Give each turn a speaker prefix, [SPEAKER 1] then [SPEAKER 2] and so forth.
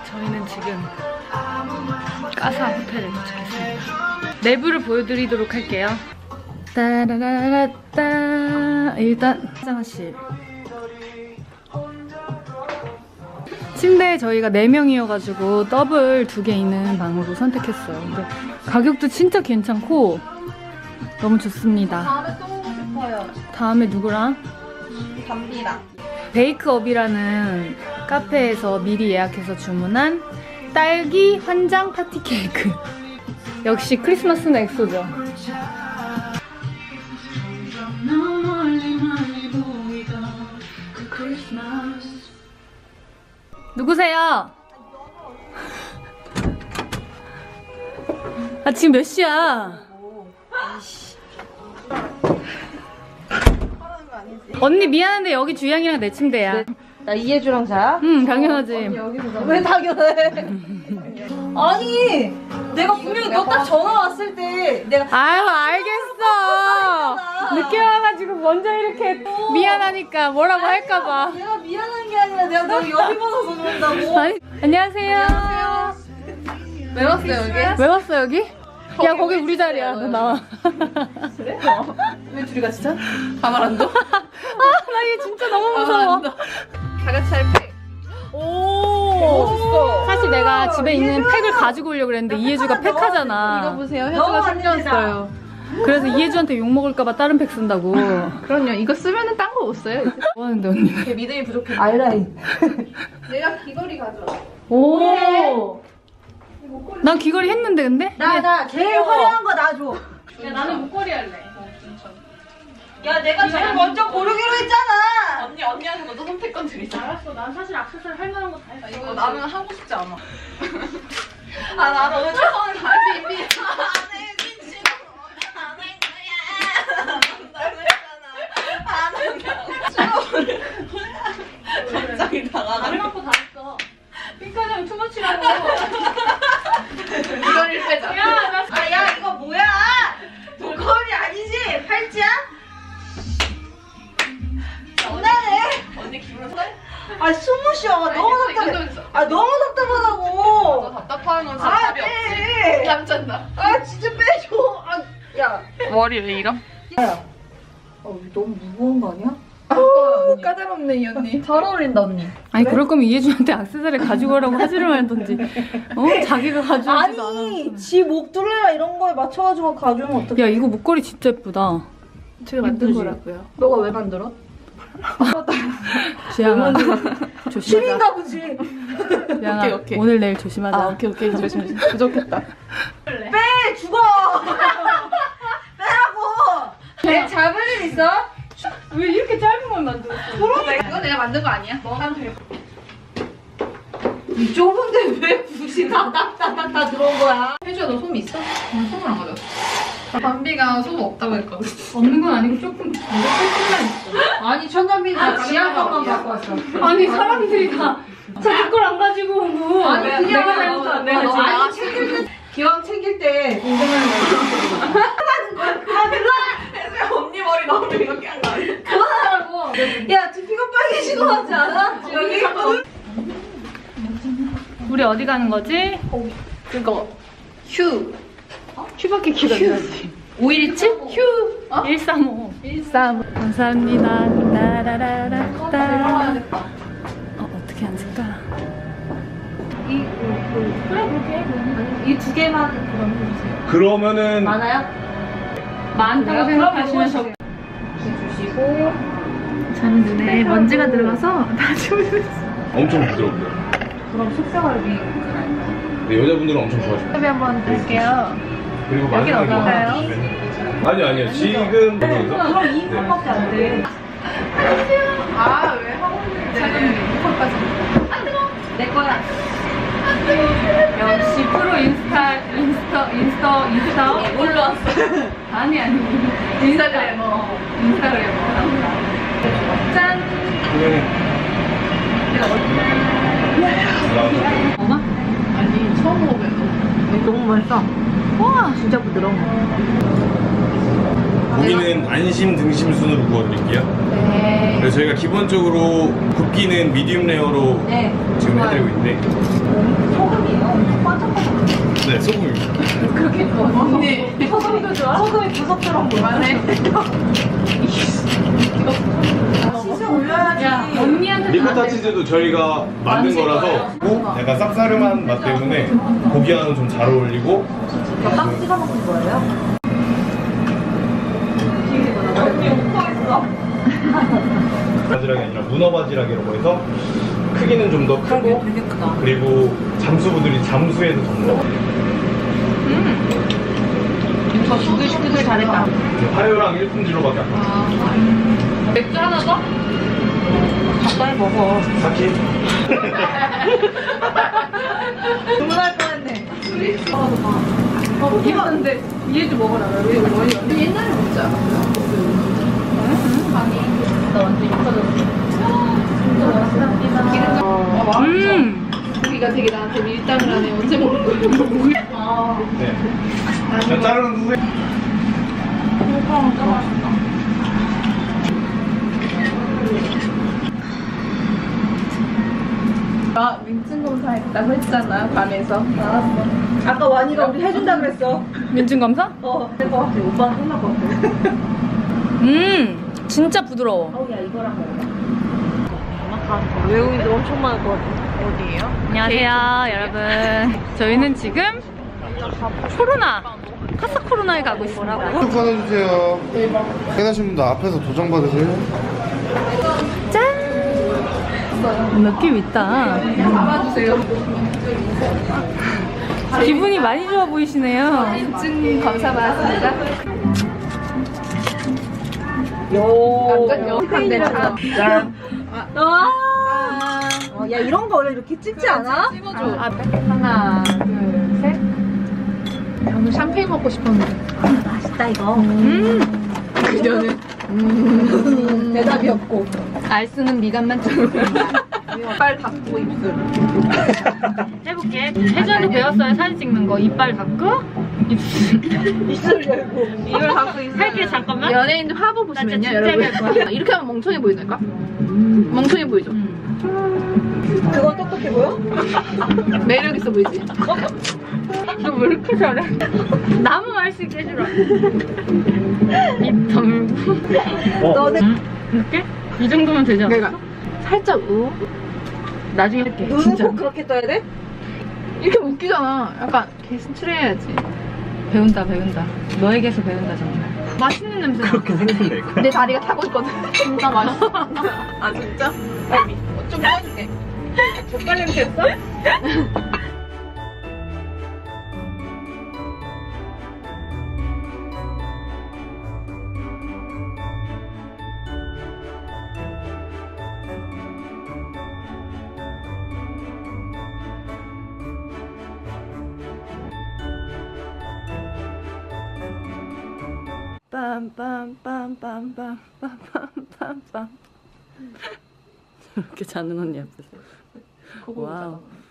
[SPEAKER 1] 저희는 지금 까사 호텔에 도착했습니다. 내부를 보여드리도록 할게요. 따라라라따. 일단 화장실. 침대에 저희가 4명이어가지고 더블 2개 있는 방으로 선택했어요. 근데 가격도 진짜 괜찮고 너무 좋습니다.
[SPEAKER 2] 다음에 또 오고 싶어요.
[SPEAKER 1] 다음에 누구랑?
[SPEAKER 2] 담비랑.
[SPEAKER 1] 베이크업이라는 카페에서 미리 예약해서 주문한 딸기 환장 파티 케이크. 역시 크리스마스는 엑소죠. 누구세요? 아 지금 몇 시야? 언니 미안한데 여기 주영이랑 내 침대야.
[SPEAKER 2] 나 이해주랑 자야?
[SPEAKER 1] 응 당연하지.
[SPEAKER 2] 왜 당연해? 아니 내가 분명히 너 딱 전화 왔을 때 내가
[SPEAKER 1] 아유 알겠어. 늦게 와가지고 먼저 이렇게 미안하니까 뭐라고 할까봐.
[SPEAKER 2] 내가 미안한 게 아니라 내가 너무 여기 받아서 그런다고.
[SPEAKER 1] 아니, 안녕하세요.
[SPEAKER 2] 왜 왔어요 여기?
[SPEAKER 1] 왜 왔어 여기? 야 거기 우리 자리야. 너 나와.
[SPEAKER 2] 그래? 왜 둘이 같이 자? 가만 안 둬?
[SPEAKER 1] 아 나 얘 진짜 너무 무서워.
[SPEAKER 2] 다 같이 할 팩.
[SPEAKER 1] 오.
[SPEAKER 2] 멋있어.
[SPEAKER 1] 사실 내가 집에 있는 팩을 가지고 오려고 그랬는데 이해주가 팩하잖아.
[SPEAKER 2] 이거 보세요. 혜주가 챙겼어요.
[SPEAKER 1] 그래서 이해주한테 욕 먹을까봐 다른 팩 쓴다고.
[SPEAKER 2] 그럼요. 이거 쓰면은 딴 거 못 써요.
[SPEAKER 1] 뭐 하는데 언니?
[SPEAKER 2] 걔 믿음이 부족해.
[SPEAKER 1] 아이라인.
[SPEAKER 2] 내가 귀걸이 가져와.
[SPEAKER 1] 오. 난 귀걸이 했는데 근데?
[SPEAKER 2] 나 제일 화려한 거 나 줘.
[SPEAKER 1] 야 나는 목걸이 할래.
[SPEAKER 2] 야 내가 제일 먼저 고르기로 했잖아.
[SPEAKER 3] 언니한테 먼저 선택권 드리자.
[SPEAKER 1] 알았어. 난 사실 액세서리 할 만한 거 다 했어.
[SPEAKER 3] 이거 나는 하고 싶지 않아. 아, 나는 오늘 최선을 다해. 삐삐. 갑자기 당하네.
[SPEAKER 1] 다른 갖고 다 했어. 핑크장 투머치라고.
[SPEAKER 3] 이거를 빼자.
[SPEAKER 1] 야, 나
[SPEAKER 2] 아, 야 이거 뭐야? 목걸이 아니지? 팔찌야? 장난해?
[SPEAKER 3] 언니 기분 탓?
[SPEAKER 2] 아 숨을 쉬어. 너무 답답해. 아 너무
[SPEAKER 3] 너
[SPEAKER 2] 답답하다고.
[SPEAKER 3] 답답한 건 진짜
[SPEAKER 2] 아
[SPEAKER 3] 답이 없지.
[SPEAKER 2] 네.
[SPEAKER 3] 얌전다.
[SPEAKER 2] 아 진짜 빼줘. 아 야.
[SPEAKER 3] 머리 왜 이럼?
[SPEAKER 2] 너무 무거운 거 아니야?
[SPEAKER 3] 까다롭네 이 언니.
[SPEAKER 2] 잘 어울린다 언니.
[SPEAKER 1] 아니 그럴 거면 이해준한테 액세서리 가지고 오라고 하지를 말던지. 자기가 가져오지도
[SPEAKER 2] 아니
[SPEAKER 1] 않았어.
[SPEAKER 2] 지 목 둘레나 이런 거에 맞춰가지고 가져오면 어떡해?
[SPEAKER 1] 야 이거 목걸이 진짜 예쁘다.
[SPEAKER 3] 제가 만든
[SPEAKER 2] 예쁘지?
[SPEAKER 3] 거라고요.
[SPEAKER 2] 너가 왜 만들어?
[SPEAKER 1] 지양아 조심하자.
[SPEAKER 2] 신인가 보지.
[SPEAKER 1] 지양아
[SPEAKER 3] 오케이, 오케이.
[SPEAKER 1] 오늘 내일 조심하자.
[SPEAKER 3] 아 오케이 조심. 부족했다.
[SPEAKER 2] 빼 죽어. 빼라고. 내 잡을 일 있어?
[SPEAKER 1] 왜 이렇게 짧은 걸 만들었어?
[SPEAKER 3] 이거 내가 만든 거 아니야? 너 하면 돼.
[SPEAKER 2] 이 좁은데 왜 굳이 다 들어온 거야?
[SPEAKER 3] 혜주야 너 솜 있어? 솜을 안 가져왔어. 담비가 솜 없다고 했거든.
[SPEAKER 1] 없는 건 아니고 조금만 있어.
[SPEAKER 2] 아니 천담비 다 지하 것만 갖고 왔어.
[SPEAKER 1] 아니 사람들이 다 자기 걸 안 가지고 오고.
[SPEAKER 2] 아니, 그냥
[SPEAKER 1] 내가 잘못한 내가
[SPEAKER 2] 너
[SPEAKER 1] 지금.
[SPEAKER 2] 아니 챙길 때 기왕 챙길 때 인정하는 거야. 그만 들어.
[SPEAKER 3] 혜주야 언니 머리 나오면 이렇게 한 거 아니야?
[SPEAKER 2] 그만하라고. 야 두피가 빨개지고 하지 않아? 여기
[SPEAKER 1] 우리 어디 가는 거지?
[SPEAKER 3] 그거 휴.
[SPEAKER 1] 휴밖에 기억이 안 나지.
[SPEAKER 3] 517? 휴.
[SPEAKER 1] 135. 135. 감사합니다. 따라라라따. 어떻게 앉을까?
[SPEAKER 2] 이 두 개만 그럼 해주세요.
[SPEAKER 4] 그러면은
[SPEAKER 2] 많아요?
[SPEAKER 1] 많다고 생각하시면 적
[SPEAKER 2] 주시고.
[SPEAKER 1] 저는 눈에 먼지가 들어가서 다 지워졌어.
[SPEAKER 4] 엄청 부드럽고요.
[SPEAKER 2] 그럼 속상하게.
[SPEAKER 4] 근데 여자분들은 엄청 좋아하시고.
[SPEAKER 1] 인터뷰 한번 드릴게요.
[SPEAKER 4] 그리고
[SPEAKER 1] 여긴 어떤가요?
[SPEAKER 4] 아니요. 지금
[SPEAKER 2] 그럼 2분밖에 안 돼.
[SPEAKER 3] 아왜 하고 있는데? 잠깐만요. 이거까지.
[SPEAKER 2] 내 거야.
[SPEAKER 1] 역시 프로 인스타
[SPEAKER 3] 올라왔어.
[SPEAKER 1] 아니
[SPEAKER 3] 인스타그래머.
[SPEAKER 1] 짠. 엄마?
[SPEAKER 3] 아니 처음 먹으면
[SPEAKER 2] 너무 맛있어. 와 진짜 부드러워.
[SPEAKER 4] 고기는 안심 등심 순으로 구워드릴게요.
[SPEAKER 3] 네.
[SPEAKER 4] 그래서 저희가 기본적으로 굽기는 미디움 레어로
[SPEAKER 2] 네.
[SPEAKER 4] 지금 해드리고 있는데
[SPEAKER 2] 소금이에요. 반짝반짝.
[SPEAKER 4] 네 소금입니다.
[SPEAKER 3] 그렇게 좋아. 언니.
[SPEAKER 2] 소금도 좋아? 소금이 부석처럼 보이네. 치즈 올려야지.
[SPEAKER 3] 야, 언니한테
[SPEAKER 4] 리코타 치즈도 저희가 만든 거라서 고 약간 쌉싸름한 맛 때문에 고기와는 좀 잘 어울리고
[SPEAKER 2] 빵 찍어 먹는 거예요? 언니 웃고 있어.
[SPEAKER 4] 바지락이 아니라 문어 바지락이라고 해서 크기는 좀 더 크고
[SPEAKER 2] 되게 크다.
[SPEAKER 4] 그리고 잠수부들이 잠수해서 잡는
[SPEAKER 3] 저 시끌시끌 잘했다.
[SPEAKER 4] 화요랑 1품질로밖에 안 나와요.
[SPEAKER 3] 맥주 하나 더?
[SPEAKER 2] 가까이 먹어.
[SPEAKER 4] 사키?
[SPEAKER 2] 주문할 뻔했네.
[SPEAKER 3] 미안한데 얘 좀 먹어라. 왜 머리 옛날에 먹지 않았어요? 나 완전 익혀졌어. 진짜 맛있다. 고기가 되게 나한테 밀당을 하네. 언제 먹는 거야?
[SPEAKER 4] 네. 자, 자르는 후에
[SPEAKER 3] 나 민증 검사했다고 했잖아 밤에서.
[SPEAKER 2] 알았어. 아까 완이가 우리 해준다 그랬어.
[SPEAKER 1] 민증 검사?
[SPEAKER 2] 될 것 같아. 오빠는 끝날 것 같아.
[SPEAKER 1] 진짜 부드러워.
[SPEAKER 2] 어우, 야, 이거랑 먹어. 외국인들 엄청 많을 것 같아. 어디예요?
[SPEAKER 1] 안녕하세요, 여러분. 저희는 지금 카사 코로나에 가고 있습니다.
[SPEAKER 5] 쭉 받아주세요. 깨닫신 분들 앞에서 도장 받으세요.
[SPEAKER 1] 느낌 있다.
[SPEAKER 3] 잡아주세요.
[SPEAKER 1] 기분이 많이 좋아 보이시네요.
[SPEAKER 3] 민증 검사 받았습니다. 완전 영상대 짠.
[SPEAKER 2] 야, 이런 거 원래 이렇게 찍지 않아?
[SPEAKER 3] 찍어줘. 하나, 둘, 셋. 저는 샴페인 먹고 싶었는데.
[SPEAKER 2] 맛있다, 이거.
[SPEAKER 3] 그녀는 대답이 없고.
[SPEAKER 1] 알쓰는 미간만 좀
[SPEAKER 3] 이빨 닫고 입술.
[SPEAKER 1] 해볼게. 예전에 배웠어요, 사진 찍는 거. 이빨 닫고
[SPEAKER 2] 입술 열고.
[SPEAKER 3] 이걸 닫고 입술.
[SPEAKER 1] 할게, 잠깐만.
[SPEAKER 3] 연예인들 화보
[SPEAKER 1] 나
[SPEAKER 3] 보시면요,
[SPEAKER 1] 진짜
[SPEAKER 3] 여러분.
[SPEAKER 1] 할 거야.
[SPEAKER 3] 이렇게 하면 멍청해 보이나까? 멍청해 보이죠?
[SPEAKER 2] 그건 똑똑해 보여?
[SPEAKER 3] 매력 있어 보이지?
[SPEAKER 1] 너 왜 이렇게 잘해? 나무 말 수 있게 해주라. 입 다물고.
[SPEAKER 2] 너네
[SPEAKER 1] 이렇게? 이 정도면 되지 않아?
[SPEAKER 3] 내가 살짝 나중에 이렇게
[SPEAKER 2] 눈은
[SPEAKER 3] 진짜
[SPEAKER 2] 꼭 그렇게 떠야 돼?
[SPEAKER 3] 이렇게 웃기잖아. 약간 개슴츠레해야지.
[SPEAKER 1] 배운다. 너에게서 배운다, 정말. 맛있는 냄새.
[SPEAKER 4] 그렇게 생겼네.
[SPEAKER 3] 내 다리가 타고 있거든. 진짜 맛있어. 아 진짜? 좀 꺼줄게. 젓갈 냄새 했어?
[SPEAKER 1] 빰빰빰빰빰빰빰빰. 이렇게 자는 언니 앞에서. 와우.